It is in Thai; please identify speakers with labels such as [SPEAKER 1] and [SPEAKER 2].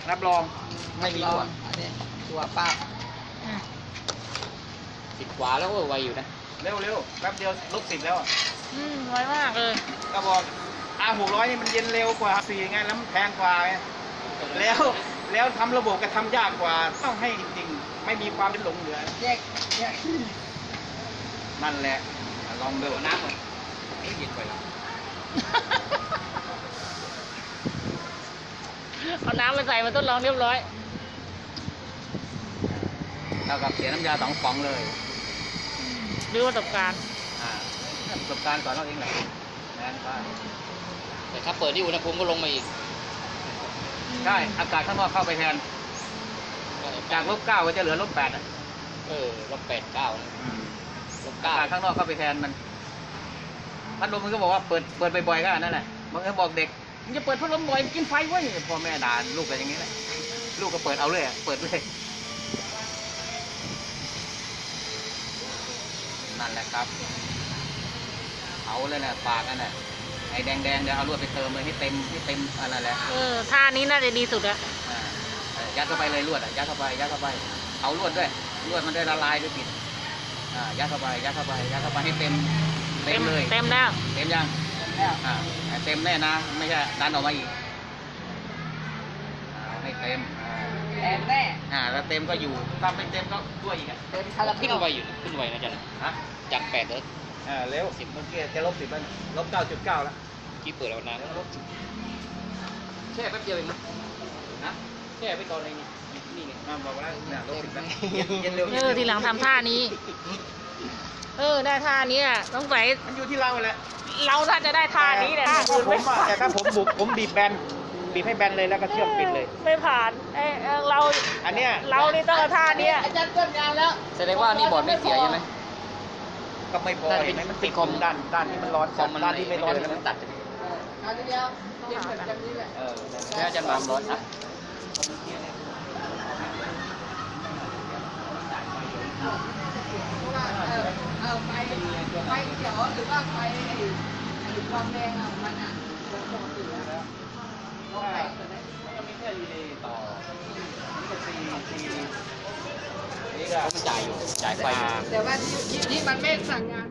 [SPEAKER 1] รับรองไม่มีตัว
[SPEAKER 2] อันนี้ตัวป้า
[SPEAKER 3] 10 กว่าแล้วก็ไวอยู่นะ
[SPEAKER 1] เร็วแป๊บเดียวลบ10แล้วอ่ะ
[SPEAKER 4] ไวมากเลย
[SPEAKER 1] ก็บอกR600นี่มันเย็นเร็วกว่า4ไงแล้วมันแพงกว่าไงแล้วทำระบบก็ทำยากกว่าต้องให้จริงๆไม่มีความเป็นหลงเหลือ
[SPEAKER 2] แยก
[SPEAKER 1] นั่นแหละลองดู
[SPEAKER 3] น้ำก่อนนี่เย็นไปแล้ว
[SPEAKER 4] เอาน้ำมาใส่มาทดลองเรียบร้อย
[SPEAKER 1] เท่ากับเสียน้ำยา2 ป๋องเลย
[SPEAKER 4] ดูประสบการณ์
[SPEAKER 1] ประสบการณ์ก่อนเราเองแหละแน่นไป
[SPEAKER 3] แต่ถ้าเปิดที่อุณหภูมิก็ลงมาอีก
[SPEAKER 1] ใช่อากาศข้างนอกเข้าไปแทนจาก-9ก็จะเหลือ-8อ่ะ
[SPEAKER 3] -8 9นะ
[SPEAKER 1] อากาศข้างนอกเข้าไปแทนมันพัดลมมันก็บอกว่าเปิดบ่อยๆก็นั่นแหละบางทีบอกเด็กมึงจะเปิดพัดลมบ่อยกินไฟเว้ยพ่อแม่ด่าลูกกันอย่างนี้แหละลูกก็เปิดเอาเลยเปิดเลยนั่นแหละครับเอาเลยนะปากนั่นแหละไอ้แดงๆเดี๋ยวเอาลวดไปเติมเลยให้เต็มอันนั้นแหละ
[SPEAKER 4] ท่านี้น่าจะดีสุดอะ
[SPEAKER 1] ยัดเข้าไปเลยลวดยัดเข้าไปเอาลวดด้วยลวดมันได้ละลายด้วยปิดยัดเข้าไปให้เต็มเลย
[SPEAKER 4] เต็มแล้ว
[SPEAKER 1] เต็มยังเต็มแน่นะไม่ใช่ดันออกมาอีกให้เต็ม
[SPEAKER 2] แอนแน่
[SPEAKER 1] แล้วเต็มก็อยู่ถ้าไม่เต็มก็ด้วยอีก
[SPEAKER 2] เต็มคาราเบ
[SPEAKER 3] ขึ้น
[SPEAKER 2] ล
[SPEAKER 3] ไวอยู่ขึ้นไวนะจันจาก8เลย
[SPEAKER 1] เร็ว10เมื่อกี้จะลบ10แล้วลบ 9.9แล้ว
[SPEAKER 3] ที่เปิดแล้วนะแช่แป๊บเดียวเองนะแช่ไปก่อนเลยนี่ไง
[SPEAKER 1] บอกแล้วเนี่ยลบ10แล้วเย็นเร็ว
[SPEAKER 4] ทีหลังทำท่านี้ ได้ท่านี้อะต้องใส่
[SPEAKER 1] มันอยู่ที่เราแหละ
[SPEAKER 4] เราถ้าจะได้ท่านี้เนี่ย
[SPEAKER 1] แต่ถ้าผมบุกผมบีบให้แบนเลยแล้วก็เชื่อมปิดเลย
[SPEAKER 4] ไม่ผ่านเรา
[SPEAKER 1] อันเนี้ย
[SPEAKER 4] เรานี่ต้องเอาท่านี้
[SPEAKER 2] อาจารย์เกินงานแล้ว
[SPEAKER 3] แสดงว่านี่บอร์ดไม่เสียใช่ไหม
[SPEAKER 1] ก็ไม่พอเห็นไหมมันติดคอมด้านที่มันร้อน
[SPEAKER 3] คอมมัน
[SPEAKER 1] ด้านที่ไม่ร้อน
[SPEAKER 3] มันตัด
[SPEAKER 2] อันนี้เดียวเย็นเหมือนกันนี่แหละ
[SPEAKER 3] แล้วจันวางร้อนนะ
[SPEAKER 2] ไฟเขียวหรือว่าไฟความแรงมันปกติแล้วเราแตกเลย
[SPEAKER 1] ก็มีแค่รีเลย์ต่อนี่ก็ซีนี่ก็
[SPEAKER 3] เขาจ่ายอยู่จ่ายไฟอยู่
[SPEAKER 2] แต่ว่าที่มันไม่สั่งงาน